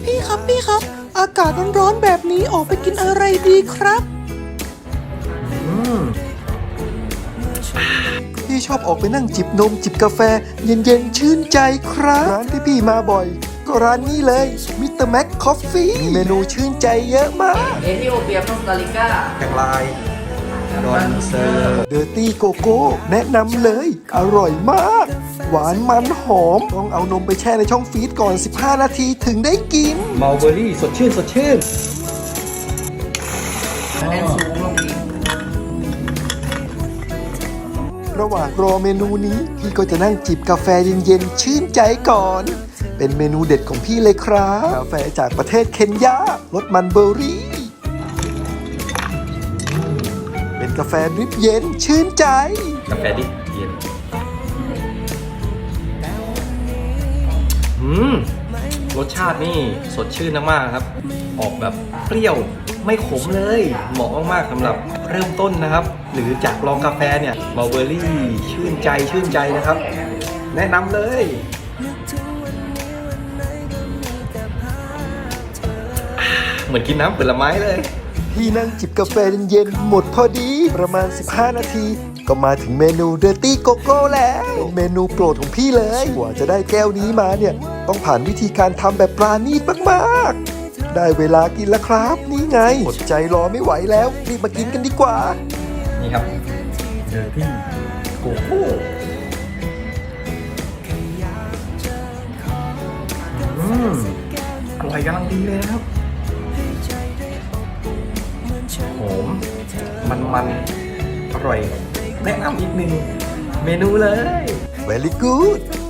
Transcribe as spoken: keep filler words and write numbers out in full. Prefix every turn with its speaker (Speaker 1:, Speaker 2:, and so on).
Speaker 1: พี่ครับพี่ครับ อากาศร้อนๆแบบนี้ออกไปกินอะไรดีครับพี่ชอบออกไปนั่งจิบนมจิบกาแฟ เย็นๆชื่นใจครับร้านที่พี่มาบ่อย ก็ร้านนี้เลยมิสเตอร์แม็กคอฟฟี่เมนูชื่นใจเยอะมาก
Speaker 2: เอธิโอเปียคอสตาริกา
Speaker 3: แข่งลายดอนเซอร์
Speaker 1: เดอร์ตี้โกโก้แนะนำเลย อร่อยมาก หวานมันหอม ต้องเอานมไปแช่ในช่องฟรีซก่อน สิบห้า นาทีถึงได้กิน
Speaker 3: มัลเบอรี่สดชื่นสดชื่น
Speaker 2: คะแนนสูงลงอีก
Speaker 1: ระหว่างรอเมนูนี้ พี่ก็จะนั่งจิบกาแฟเย็นๆชื่นใจก่อน เป็นเมนูเด็ดของพี่เลยครับ กาแฟจากประเทศเคนยารสมันเบอร์รี่ เป็นกาแฟดริปเย็นชื่นใจ
Speaker 3: กาแฟดิบเย็นอืมรสชาตินี่สดชื่นมากๆครับ ออกแบบเปรี้ยวไม่ขมเลย เหมาะมากๆสำหรับเริ่มต้นนะครับ หรือจากลองกาแฟเนี่ยมัลเบอรี่ชื่นใจชื่นใจนะครับ แนะนำเลยอ่าเหมือนกินน้ำผลไม้เลย
Speaker 1: พี่นั่งจิบกาแฟเย็นๆหมดพอดีประมาณ สิบห้า นาที ก็มาถึงเมนูเดอร์ตี้โกโก้แล้วเป็นเมนูโปรดของพี่เลยกว่าจะได้แก้วนี้มาเนี่ยต้องผ่านวิธีการทำแบบปราณีตมากๆได้เวลากินแล้วครับ นี่ไงอดใจรอไม่ไหวแล้วรีบมากินกันดีกว่า
Speaker 3: นี่ครับเดอร์ตี้โกโก้อืมอร่อยกำลังดีเลยนะครับหอมมันมันๆอร่อย แนะนำอีกหนึ่งเมนูเลย
Speaker 1: Very good